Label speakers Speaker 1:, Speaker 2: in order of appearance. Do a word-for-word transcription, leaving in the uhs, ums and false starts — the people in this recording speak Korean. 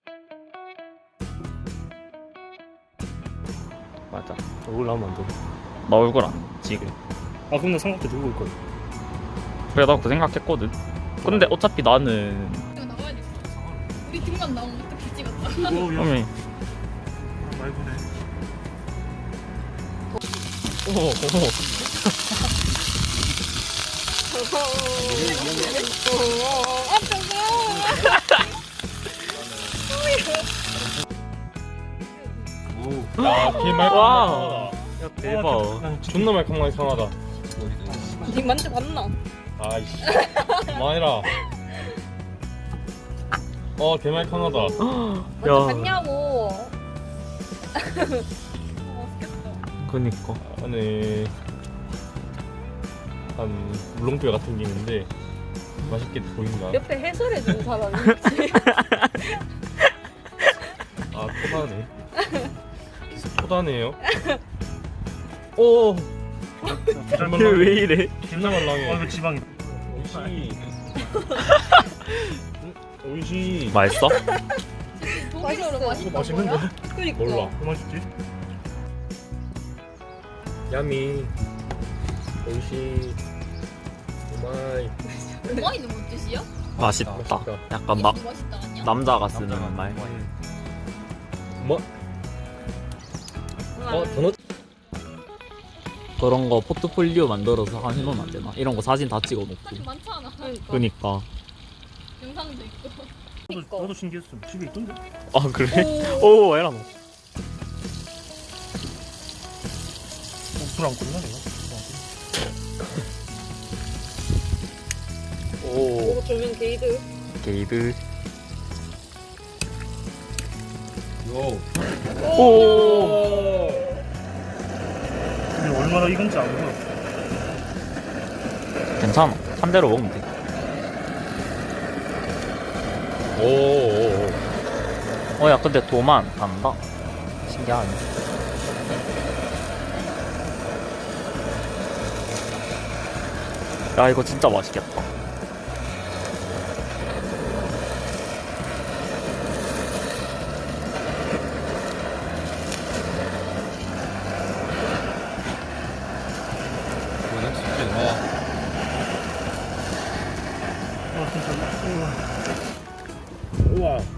Speaker 1: 맞아. 얼굴 나오면 안 돼.
Speaker 2: 나 얼굴 안 지금.
Speaker 1: 아 그럼 나 삼각대 들고 올 거야.
Speaker 2: 그래 나 그 생각했거든. 근데 어차피 나는
Speaker 3: 이거 나와야 돼. 우리 등만 나오면 어떻게 찍었다.
Speaker 1: 오, 야,
Speaker 2: 어미
Speaker 1: 많이 보네.
Speaker 2: 어머 어머
Speaker 1: 야, 개 말캉.
Speaker 2: 와. 야 대박.
Speaker 1: 존나 말캉하게 상하다.
Speaker 3: 니 만져봤나?
Speaker 1: 아이씨. 그만해라. 어, 개 말캉하다.
Speaker 3: 만져봤냐고.
Speaker 2: 그니까
Speaker 1: 안에 한 물렁뼈 같은 게 있는데 맛있게 보인다.
Speaker 3: 옆에 해설해주는 사람이 있지.
Speaker 1: 아, 토다네. 계속 토다네요. 오.
Speaker 2: 왜 이래?
Speaker 1: 존나 말랑해.
Speaker 4: 어, 이거 지방이.
Speaker 1: 오이시. 오이시.
Speaker 2: 맛있어?
Speaker 3: 독일어로
Speaker 1: 이거
Speaker 3: 맛있다.
Speaker 1: 맛있는데?
Speaker 3: 그니까.
Speaker 1: 몰라.
Speaker 4: 뭐 맛있지?
Speaker 1: 야미. 오이시. 오마이.
Speaker 3: 오마이는 뭔 뜻이야?
Speaker 2: 맛있다.
Speaker 1: 맛있다.
Speaker 2: 약간 나
Speaker 3: 이게 맛있다 아니야?
Speaker 2: 남자가 쓰는 말.
Speaker 1: 뭐? 어, 도넛?
Speaker 2: 그런 거 포트폴리오 만들어서 해놓으면 안 되나? 이런 거 사진 다 찍어놓고.
Speaker 3: 사진 많잖아. 그러니까.
Speaker 2: 그니까.
Speaker 3: 영상도 있고.
Speaker 4: 나도, 나도 신기했어. 집에 있던데?
Speaker 2: 아 그래? 오 에라 너.
Speaker 4: 술안 끓나 내가?
Speaker 2: 오.
Speaker 3: 오, 조명 게이드.
Speaker 2: 게이드.
Speaker 1: 요.
Speaker 2: 오.
Speaker 4: 근데 얼마나 익은지 안 보여.
Speaker 2: 괜찮아. 한 대로 먹으면 돼.
Speaker 1: 오. 오. 오.
Speaker 2: 어야 근데 도만 간다. 신기하네. 야 이거 진짜 맛있겠다.
Speaker 1: 이거는 진짜 와.
Speaker 4: 어, 진짜.
Speaker 1: 우와.